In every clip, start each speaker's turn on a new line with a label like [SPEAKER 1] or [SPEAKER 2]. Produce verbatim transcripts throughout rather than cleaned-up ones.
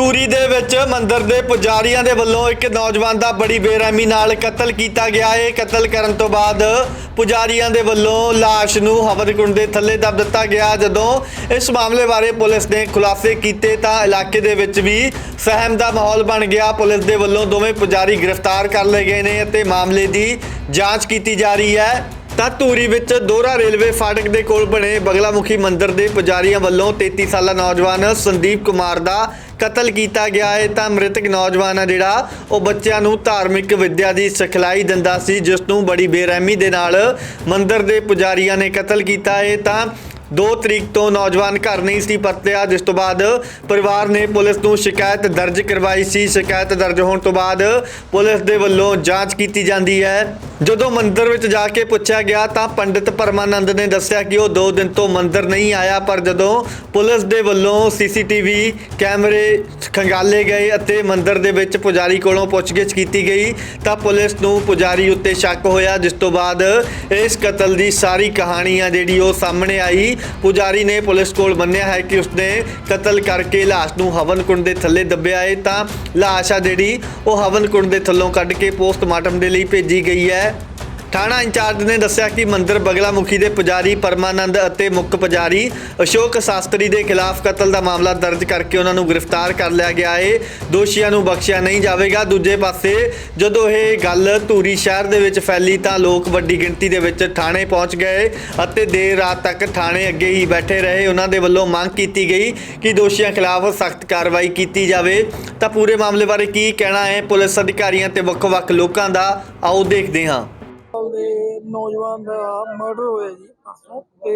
[SPEAKER 1] ਧੂਰੀ ਦੇ ਵਿੱਚ ਮੰਦਰ ਦੇ ਪੁਜਾਰੀਆਂ ਦੇ ਵੱਲੋਂ ਇੱਕ ਨੌਜਵਾਨ ਦਾ ਬੜੀ ਬੇਰਹਿਮੀ ਨਾਲ ਕਤਲ ਕੀਤਾ ਗਿਆ ਹੈ। ਕਤਲ ਕਰਨ ਤੋਂ ਬਾਅਦ ਪੁਜਾਰੀਆਂ ਦੇ ਵੱਲੋਂ ਲਾਸ਼ ਨੂੰ ਹਵਨ-ਕੁੰਡ ਦੇ ਥੱਲੇ ਦੱਬ ਦਿੱਤਾ ਗਿਆ। ਜਦੋਂ ਇਸ ਮਾਮਲੇ ਬਾਰੇ ਪੁਲਿਸ ਨੇ ਖੁਲਾਸੇ ਕੀਤੇ ਤਾਂ ਇਲਾਕੇ ਦੇ ਵਿੱਚ ਵੀ ਸਹਿਮ ਦਾ ਮਾਹੌਲ ਬਣ ਗਿਆ। ਪੁਲਿਸ ਦੇ ਵੱਲੋਂ ਦੋਵੇਂ ਪੁਜਾਰੀ ਗ੍ਰਿਫਤਾਰ ਕਰ ਲਏ ਗਏ ਨੇ ਅਤੇ ਮਾਮਲੇ ਦੀ ਜਾਂਚ ਕੀਤੀ ਜਾ ਰਹੀ ਹੈ। ਤਾਂ ਧੂਰੀ ਵਿੱਚ ਦੋਹਰਾ ਰੇਲਵੇ ਫਾਟਕ ਦੇ ਕੋਲ ਬਣੇ ਬਗਲਾਮੁਖੀ ਮੰਦਰ ਦੇ ਪੁਜਾਰੀਆਂ ਵੱਲੋਂ ਤੇਤੀ ਸਾਲਾ ਨੌਜਵਾਨ ਸੰਦੀਪ ਕੁਮਾਰ ਦਾ ਕਤਲ ਕੀਤਾ ਗਿਆ ਹੈ। ਤਾਂ ਮ੍ਰਿਤਕ ਨੌਜਵਾਨ ਆ ਜਿਹੜਾ ਉਹ ਬੱਚਿਆਂ ਨੂੰ ਧਾਰਮਿਕ ਵਿੱਦਿਆ ਦੀ ਸਿਖਲਾਈ ਦਿੰਦਾ ਸੀ, ਜਿਸ ਨੂੰ ਬੜੀ ਬੇਰਹਿਮੀ ਦੇ ਨਾਲ ਮੰਦਰ ਦੇ ਪੁਜਾਰੀਆਂ ਨੇ ਕਤਲ ਕੀਤਾ ਹੈ। ਤਾਂ दो तरीक तो नौजवान घर नहीं सी परतिया, जिस तो बाद परिवार ने पुलिस नूं शिकायत दर्ज करवाई सी। शिकायत दर्ज होने तो बाद पुलिस दे वल्लों जांच की जाती है। जदों मंदिर विच जाके पूछा गया तो पंडित परमानंद ने दस्सिया कि वह दो दिन तो मंदिर नहीं आया, पर जदों पुलिस दे वल्लों सी सी टी वी कैमरे खंगाले गए अते मंदिर दे विच पुजारी कोलों पुछगिछ की गई तो पुलिस नूं पुजारी उत्ते शक होया, जिस तो बाद इस कतल की सारी कहानी आ जिहड़ी ओह सामने आई। पुजारी ने पुलिस कोल मन्निया है कि उसने कतल करके लाश नूं हवन कुंड दे थल्ले दब्बिया है। तां लाश आ जिहड़ी ओह हवन कुंड दे थल्लों कढ के पोस्टमार्टम दे लई भेजी गई है। थाणा इंचार्ज ने दस्सिया कि मंदिर बगलामुखी के पुजारी परमानंद और मुख पुजारी अशोक शास्त्री के खिलाफ कतल का मामला दर्ज करके उन्होंने गिरफ्तार कर लिया गया है। दोषियों को बख्शिया नहीं जाएगा। दूजे पासे जदों ये गल धूरी शहर के फैली तो लोग वड्डी गिणती के विच थाणे पहुँच गए और देर रात तक थाणे अगे ही बैठे रहे। उन्होंने वालों मांग की गई कि दोषियों खिलाफ सख्त कार्रवाई की जाए। तो पूरे मामले बारे की कहना है पुलिस अधिकारियों ते वख-वख लोगों का, आओ देखते हैं।
[SPEAKER 2] ਦੇ ਨੌਜਵਾਨ ਦਾ ਮਰਡਰ ਹੋਇਆ ਜੀ ਪਰਸੋਂ, ਤੇ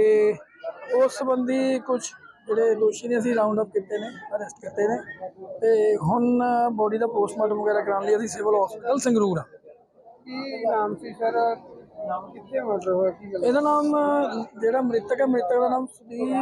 [SPEAKER 2] ਉਸ ਸੰਬੰਧੀ ਕੁਝ ਜਿਹੜੇ ਦੋਸ਼ੀ ਨੇ ਅਸੀਂ ਰਾਉਂਡ ਅਪ ਕੀਤੇ ਨੇ, ਅਰੈਸਟ ਕੀਤੇ ਨੇ, ਤੇ ਹੁਣ ਬੋਡੀ ਦਾ ਪੋਸਟਮਾਰਟਮ ਵਗੈਰਾ ਕਰਾਉਣ ਲਈ ਅਸੀਂ ਸਿਵਲ ਹਸਪੀਟਲ ਸੰਗਰੂਰ ਆ।
[SPEAKER 3] ਕੀ ਨਾਮ ਸੀ ਸਰ? ਨਾਮ ਕਿੱਥੇ ਮਰਡਰ ਹੋਇਆ? ਕੀ ਗੱਲ?
[SPEAKER 2] ਇਹਦਾ ਨਾਮ ਜਿਹੜਾ ਮ੍ਰਿਤਕ ਹੈ, ਮ੍ਰਿਤਕ ਦਾ ਨਾਮ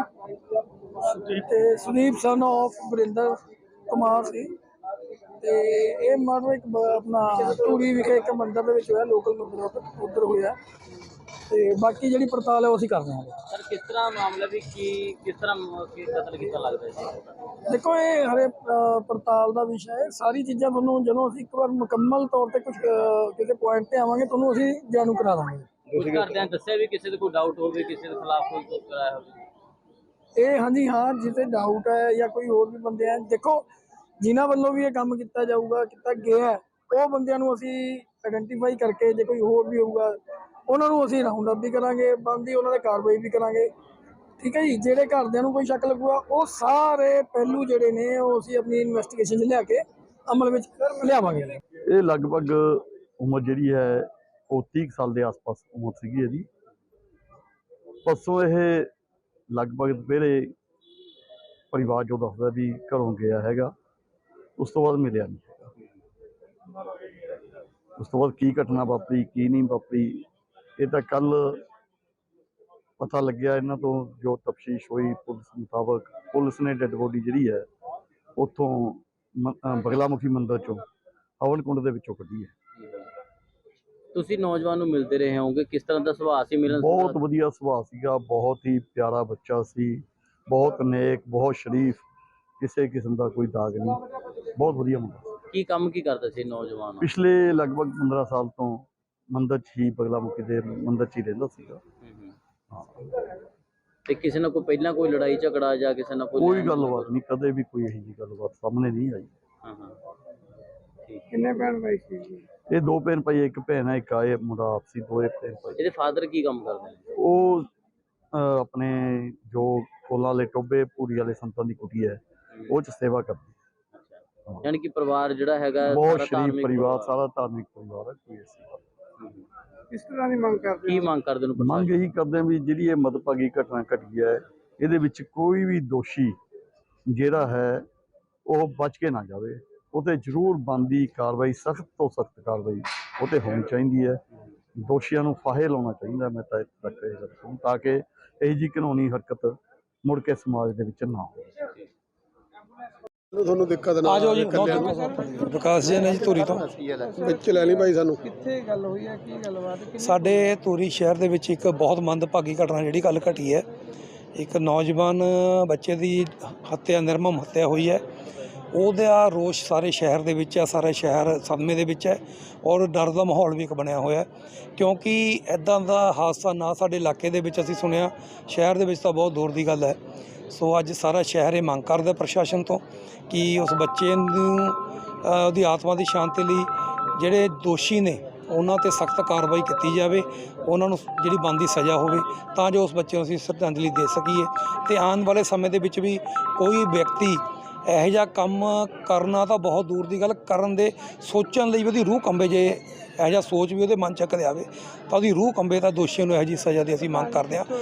[SPEAKER 2] ਸੁਦੀਪ ਤੇ ਸੁਦੀਪ ਸਨ ਆਫ ਗੁਰਿੰਦਰ ਕੁਮਾਰ ਸੀ। ਤੇ ਇਹ ਮਰਡਰ ਇੱਕ ਆਪਣਾ ਧੂਰੀ ਵਿਖੇ ਇੱਕ ਮੰਦਰ ਦੇ ਵਿੱਚ ਹੋਇਆ, ਲੋਕਲ ਮੰਦਰ ਉੱਧਰ ਹੋਇਆ। ਤੇ ਬਾਕੀ ਜਿਹੜੀ ਪੜਤਾਲ ਹੈ ਉਹ ਅਸੀਂ ਕਰਦੇ ਹਾਂ।
[SPEAKER 4] ਸਰ ਕਿਸ ਤਰ੍ਹਾਂ ਮਾਮਲਾ ਵੀ ਕੀ ਕਿਸ ਤਰ੍ਹਾਂ ਕੀ ਕਤਲ ਕੀਤਾ ਲੱਗਦਾ ਸੀ?
[SPEAKER 2] ਦੇਖੋ ਇਹ ਹਰੇ ਪੜਤਾਲ ਦਾ ਵਿਸ਼ਾ ਹੈ। ਸਾਰੀ ਚੀਜ਼ਾਂ ਤੁਹਾਨੂੰ ਜਦੋਂ ਅਸੀਂ ਇੱਕ ਵਾਰ ਮੁਕੰਮਲ ਤੌਰ ਤੇ ਕੁਝ ਕਿਸੇ ਪੁਆਇੰਟ ਤੇ ਆਵਾਂਗੇ ਤੁਹਾਨੂੰ ਅਸੀਂ ਜਾਣੂ ਕਰਾ ਦਾਂਗੇ।
[SPEAKER 4] ਕੁਝ ਘਰਦਿਆਂ ਦੱਸਿਆ ਵੀ ਕਿਸੇ ਦੇ ਕੋਈ ਡਾਊਟ ਹੋਵੇ, ਕਿਸੇ ਦੇ ਖਿਲਾਫ ਕੋਈ ਕੁਝ ਕਰਾਇਆ ਹੋਵੇ?
[SPEAKER 2] ਇਹ ਹਾਂਜੀ ਹਾਂ, ਜਿੱਥੇ ਡਾਊਟ ਹੈ ਜਾਂ ਕੋਈ ਹੋਰ ਵੀ ਬੰਦੇ ਆ, ਦੇਖੋ ਜਿਨ੍ਹਾਂ ਵੱਲੋਂ ਵੀ ਇਹ ਕੰਮ ਕੀਤਾ ਜਾਊਗਾ, ਕੀਤਾ ਗਿਆ, ਉਹ ਬੰਦਿਆਂ ਨੂੰ ਅਸੀਂ ਆਇਡੈਂਟੀਫਾਈ ਕਰਕੇ ਜੇ ਕੋਈ ਹੋਰ ਵੀ ਹੋਊਗਾ ਉਹਨਾਂ ਨੂੰ ਅਸੀਂ ਰਾਉਂਡ ਅਪ ਵੀ ਕਰਾਂਗੇ, ਬਣਦੀ ਉਹਨਾਂ 'ਤੇ ਕਾਰਵਾਈ ਵੀ ਕਰਾਂਗੇ। ਠੀਕ ਹੈ ਜੀ। ਜਿਹੜੇ ਘਰਦਿਆਂ ਨੂੰ ਕੋਈ ਸ਼ੱਕ ਲੱਗੂਗਾ ਉਹ ਸਾਰੇ ਪਹਿਲੂ ਜਿਹੜੇ ਨੇ ਉਹ ਅਸੀਂ ਆਪਣੀ ਇਨਵੈਸਟੀਗੇਸ਼ਨ 'ਚ ਲਿਆ ਕੇ ਅਮਲ ਵਿੱਚ ਲਿਆਵਾਂਗੇ।
[SPEAKER 5] ਇਹ ਲਗਭਗ ਉਮਰ ਜਿਹੜੀ ਹੈ ਉਹ ਤੀਹ ਸਾਲ ਦੇ ਆਸ-ਪਾਸ ਉਮਰ ਸੀਗੀ ਇਹਦੀ। ਪਰਸੋਂ ਇਹ ਲਗਭਗ ਦੁਪਹਿਰੇ ਪਰਿਵਾਰ ਜੋ ਦੱਸਦਾ ਵੀ ਘਰੋਂ ਗਿਆ ਹੈਗਾ, ਉਸ ਤੋਂ ਬਾਅਦ ਮਿਲਿਆ ਨਹੀਂ ਹੈਗਾ। ਉਸ ਤੋਂ ਬਾਅਦ ਕੀ ਘਟਨਾ ਵਾਪਰੀ ਕੀ ਨਹੀਂ ਵਾਪਰੀ ਇਹ ਤਾਂ ਕੱਲ ਪਤਾ ਲੱਗਿਆ। ਇਹਨਾਂ ਤੋਂ ਜੋ ਤਫਤੀਸ਼ ਹੋਈ ਪੁਲਿਸ ਮੁਤਾਬਕ, ਪੁਲਿਸ ਨੇ ਡੈੱਡ ਬੋਡੀ ਜਿਹੜੀ ਹੈ ਉੱਥੋਂ ਬਗਲਾਮੁਖੀ ਮੰਦਰ ਚੋਂ ਹਵਨ ਕੁੰਡ ਦੇ ਵਿੱਚੋਂ ਕੱਢੀ ਹੈ।
[SPEAKER 4] ਤੁਸੀਂ ਨੌਜਵਾਨ ਨੂੰ ਮਿਲਦੇ ਰਹੇ ਹੋਵੋਗੇ, ਕਿਸ ਤਰ੍ਹਾਂ ਦਾ ਸੁਭਾਅ ਸੀ? ਮਿਲਣ
[SPEAKER 5] ਬਹੁਤ ਵਧੀਆ ਸੁਭਾਅ ਸੀਗਾ, ਬਹੁਤ ਹੀ ਪਿਆਰਾ ਬੱਚਾ ਸੀ, ਬਹੁਤ ਨੇਕ, ਬਹੁਤ ਸ਼ਰੀਫ, ਕਿਸੇ ਕਿਸਮ ਦਾ ਕੋਈ ਦਾਗ ਨਹੀਂ, ਬਹੁਤ ਵਧੀਆ ਮੁੰਡਾ।
[SPEAKER 4] ਕੀ ਕੰਮ ਕੀ ਕਰਦਾ ਸੀ ਨੌਜਵਾਨ?
[SPEAKER 5] ਪਿਛਲੇ ਲਗਭਗ ਪੰਦਰਾਂ ਸਾਲ ਤੋਂ ਮੰਦਰ 'ਚ ਹੀ ਬਗਲਾਮੁਖੀ ਦੇ ਮੰਦਰ 'ਚ ਹੀ ਰਹਿੰਦਾ ਸੀਗਾ। ਹਾਂ।
[SPEAKER 4] ਤੇ ਕਿਸੇ ਨਾਲ ਕੋਈ ਪਹਿਲਾਂ ਕੋਈ ਲੜਾਈ ਝਗੜਾ ਜਾਂ ਕਿਸੇ ਨਾਲ
[SPEAKER 5] ਕੋਈ ਗੱਲਬਾਤ ਨਹੀਂ, ਕਦੇ ਵੀ ਕੋਈ ਇਹੋ ਜਿਹੀ ਗੱਲਬਾਤ ਸਾਹਮਣੇ ਨਹੀਂ ਆਈ।
[SPEAKER 4] ਹਾਂ ਹਾਂ ਠੀਕ।
[SPEAKER 3] ਕਿੰਨੇ ਭੈਣ ਭਾਈ ਸੀ?
[SPEAKER 5] ਇਹ ਦੋ ਭੈਣ ਭਾਈ, ਇੱਕ ਭੈਣ ਹੈ, ਇੱਕ ਆਏ ਮੁੰਡਾ ਆਪਸੀ ਦੋਏ ਭੈਣ ਭਾਈ।
[SPEAKER 4] ਇਹਦੇ ਫਾਦਰ ਕੀ ਕੰਮ ਕਰਦੇ ਨੇ?
[SPEAKER 5] ਉਹ ਆਪਣੇ ਜੋ ਕੋਲਾਂ ਵਾਲੇ ਟੋਬੇ ਪੂਰੀ ਵਾਲੇ ਸੰਤਾਂ ਦੀ ਕੁਟੀ ਹੈ ਉਹ 'ਚ ਸੇਵਾ ਕਰਦੀ।
[SPEAKER 4] ਯਾਨੀ ਕਿ ਪਰਿਵਾਰ ਜਿਹੜਾ ਹੈਗਾ
[SPEAKER 5] ਬਹੁਤ ਸ਼ਰੀਫ ਪਰਿਵਾਰ, ਸਾਰਾ ਧਾਰਮਿਕ ਪਰਿਵਾਰ ਹੈ। ਕੋਈ ਐਸੀ
[SPEAKER 3] ਕਿਸ ਤਰ੍ਹਾਂ ਦੀ ਮੰਗ ਕਰਦੇ?
[SPEAKER 4] ਕੀ ਮੰਗ ਕਰਦੇ ਨੂੰ?
[SPEAKER 5] ਮੰਗ ਇਹੀ ਕਰਦੇ ਹਾਂ ਵੀ ਜਿਹੜੀ ਇਹ ਮਦਭਾਗੀ ਘਟਨਾ ਘਟੀ ਹੈ ਇਹਦੇ ਵਿੱਚ ਕੋਈ ਵੀ ਦੋਸ਼ੀ ਜਿਹੜਾ ਹੈ ਉਹ ਬਚ ਕੇ ਨਾ ਜਾਵੇ। ਉਹ 'ਤੇ ਜ਼ਰੂਰ ਬਣਦੀ ਕਾਰਵਾਈ, ਸਖਤ ਤੋਂ ਸਖਤ ਕਾਰਵਾਈ ਉਹ 'ਤੇ ਹੋਣੀ ਚਾਹੀਦੀ ਹੈ। ਦੋਸ਼ੀਆਂ ਨੂੰ ਫਾਹੇ ਲਾਉਣਾ ਚਾਹੀਦਾ। ਮੈਂ ਤਾਂ ਇੱਥੇ ਤੱਕ ਇਹ ਰੱਖੂੰ ਤਾਂ ਕਿ ਇਹੋ ਜਿਹੀ ਕਾਨੂੰਨੀ ਹਰਕਤ ਮੁੜ ਕੇ ਸਮਾਜ ਦੇ ਵਿੱਚ ਨਾ ਹੋਵੇ।
[SPEAKER 3] ਤੁਹਾਨੂੰ ਦਿੱਕਤ ਨਾ
[SPEAKER 2] ਆ ਜਾਓ ਜੀ। ਵਿਕਾਸ ਜੀ ਨੇ ਜੀ ਧੂਰੀ ਤੋਂ
[SPEAKER 3] ਵਿੱਚ ਲੈ ਲਈ ਭਾਈ। ਸਾਨੂੰ
[SPEAKER 2] ਕਿੱਥੇ ਗੱਲ ਹੋਈ ਹੈ, ਕੀ ਗੱਲਬਾਤ?
[SPEAKER 6] ਸਾਡੇ ਧੂਰੀ ਸ਼ਹਿਰ ਦੇ ਵਿੱਚ ਇੱਕ ਬਹੁਤ ਮੰਦਭਾਗੀ ਘਟਨਾ ਜਿਹੜੀ ਕੱਲ੍ਹ ਘਟੀ ਹੈ। ਇੱਕ ਨੌਜਵਾਨ ਬੱਚੇ ਦੀ ਹੱਤਿਆ, ਨਿਰਮਮ ਹੱਤਿਆ ਹੋਈ ਹੈ। ਉਹਦਾ ਰੋਸ਼ ਸਾਰੇ ਸ਼ਹਿਰ ਦੇ ਵਿੱਚ ਹੈ, ਸਾਰਾ ਸ਼ਹਿਰ ਸਦਮੇ ਦੇ ਵਿੱਚ ਹੈ ਔਰ ਡਰ ਦਾ ਮਾਹੌਲ ਵੀ ਇੱਕ ਬਣਿਆ ਹੋਇਆ, ਕਿਉਂਕਿ ਇੱਦਾਂ ਦਾ ਹਾਦਸਾ ਨਾ ਸਾਡੇ ਇਲਾਕੇ ਦੇ ਵਿੱਚ ਅਸੀਂ ਸੁਣਿਆ, ਸ਼ਹਿਰ ਦੇ ਵਿੱਚ ਤਾਂ ਬਹੁਤ ਦੂਰ ਦੀ ਗੱਲ ਹੈ। ਸੋ ਅੱਜ ਸਾਰਾ ਸ਼ਹਿਰ ਇਹ ਮੰਗ ਕਰਦਾ ਪ੍ਰਸ਼ਾਸਨ ਤੋਂ ਕਿ ਉਸ ਬੱਚੇ ਨੂੰ ਅ, ਉਹਦੀ ਆਤਮਾ ਦੀ ਸ਼ਾਂਤੀ ਲਈ ਜਿਹੜੇ ਦੋਸ਼ੀ ਨੇ ਉਹਨਾਂ 'ਤੇ ਸਖਤ ਕਾਰਵਾਈ ਕੀਤੀ ਜਾਵੇ, ਉਹਨਾਂ ਨੂੰ ਜਿਹੜੀ ਬਣਦੀ ਸਜ਼ਾ ਹੋਵੇ ਤਾਂ ਜੋ ਉਸ ਬੱਚੇ ਨੂੰ ਅਸੀਂ ਸ਼ਰਧਾਂਜਲੀ ਦੇ ਸਕੀਏ। ਅਤੇ ਆਉਣ ਵਾਲੇ ਸਮੇਂ ਦੇ ਵਿੱਚ ਵੀ ਕੋਈ ਵਿਅਕਤੀ ਇਹੋ ਜਿਹਾ ਕੰਮ ਕਰਨਾ ਤਾਂ ਬਹੁਤ ਦੂਰ ਦੀ ਗੱਲ, ਕਰਨ ਦੇ ਸੋਚਣ ਲਈ ਉਹਦੀ ਰੂਹ ਕੰਬੇ, ਜੇ ਇਹੋ ਜਿਹਾ ਸੋਚ ਵੀ ਉਹਦੇ ਮਨ 'ਚ ਕਦੇ ਆਵੇ ਤਾਂ ਉਹਦੀ ਰੂਹ ਕੰਬੇ, ਤਾਂ ਦੋਸ਼ੀਆਂ ਨੂੰ ਇਹੋ ਜਿਹੀ ਸਜ਼ਾ ਦੀ ਅਸੀਂ ਮੰਗ ਕਰਦੇ ਹਾਂ।